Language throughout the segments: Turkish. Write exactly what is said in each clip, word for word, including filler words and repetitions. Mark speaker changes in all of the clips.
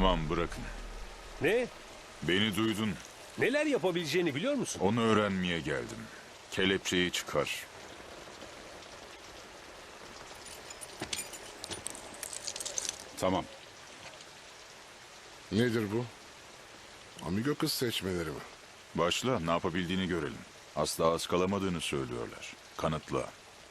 Speaker 1: Tamam, bırakın.
Speaker 2: Ne?
Speaker 1: Beni duydun.
Speaker 2: Neler yapabileceğini biliyor musun?
Speaker 1: Onu öğrenmeye geldim. Kelepçeyi çıkar.
Speaker 3: Tamam.
Speaker 4: Nedir bu? Amigo kız seçmeleri mi?
Speaker 1: Başla, ne yapabildiğini görelim. Asla ıskalamadığını söylüyorlar. Kanıtla.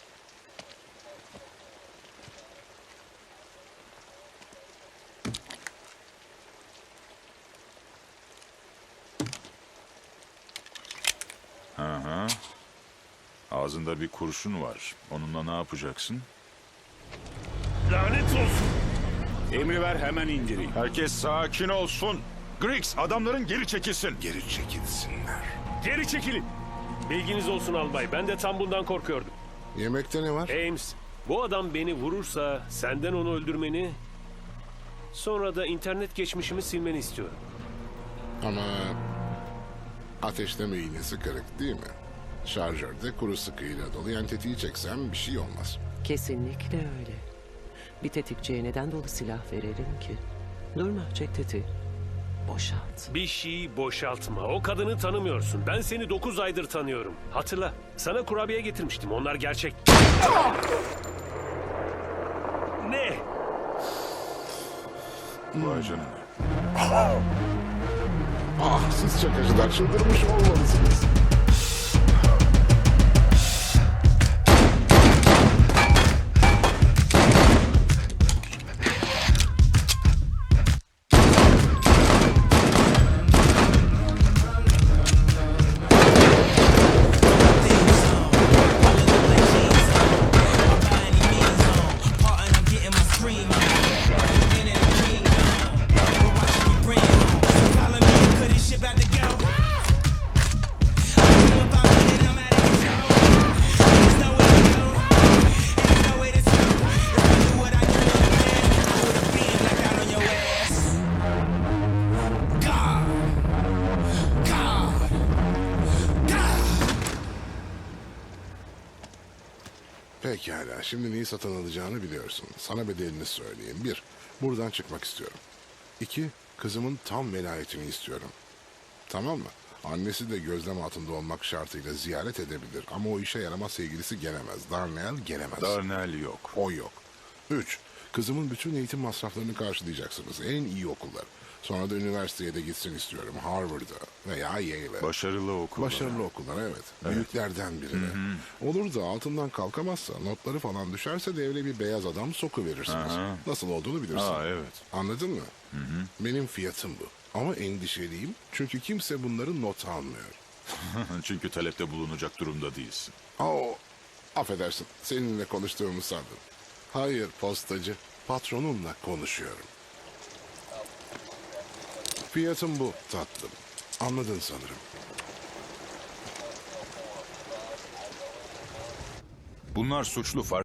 Speaker 1: Hı hı. Ağzında bir kurşun var. Onunla ne yapacaksın?
Speaker 2: Lanet olsun.
Speaker 3: Emri ver, hemen indireyim.
Speaker 1: Herkes sakin olsun. Griggs, adamların geri çekilsin.
Speaker 4: Geri çekilsinler.
Speaker 2: Geri çekilin. Bilginiz olsun albay. Ben de tam bundan korkuyordum.
Speaker 4: Yemekte ne var?
Speaker 2: Ames, bu adam beni vurursa senden onu öldürmeni, sonra da internet geçmişimi silmeni istiyorum.
Speaker 4: Ama ateşleme iğnesi kırık değil mi? Şarjörde kuru sıkıyla dolu, yani tetiği çeksem bir şey olmaz.
Speaker 5: Kesinlikle öyle. Bir tetikçiye neden dolu silah verelim ki? Durma, çek tetiği. Boşalt.
Speaker 2: Bir şeyi boşaltma. O kadını tanımıyorsun. Ben seni dokuz aydır tanıyorum. Hatırla. Sana kurabiye getirmiştim. Onlar gerçek. Ne?
Speaker 1: Vay canına.
Speaker 4: Ah, siz çakıcılar çıldırmış olmalısınız. Pekala, şimdi neyi satın alacağını biliyorsun. Sana bedelini söyleyeyim. Bir, buradan çıkmak istiyorum. İki, kızımın tam velayetini istiyorum. Tamam mı? Annesi de gözlem altında olmak şartıyla ziyaret edebilir. Ama o işe yaramaz, sevgilisi gelemez. Darnell gelemez.
Speaker 1: Darnell yok.
Speaker 4: O yok. Üç, kızımın bütün eğitim masraflarını karşılayacaksınız. En iyi okullar. Sonra da üniversiteye de gitsin istiyorum. Harvard'a veya Yale'e.
Speaker 1: Başarılı okul.
Speaker 4: Başarılı okullar, evet. Büyüklerden birine. Olur da altından kalkamazsa, notları falan düşerse de evine bir beyaz adam sokuverirsiniz.
Speaker 1: Aha.
Speaker 4: Nasıl olduğunu bilirsin.
Speaker 1: Aa, evet.
Speaker 4: Anladın mı? Benim fiyatım bu. Ama endişeliyim çünkü kimse bunları not almıyor.
Speaker 1: Çünkü talepte bulunacak durumda değilsin.
Speaker 4: Oo, affedersin. Seninle konuştuğumu sandım. Hayır postacı. Patronumla konuşuyorum. Fiyatım bu tatlım. Anladın sanırım.
Speaker 1: Bunlar suçlu, fark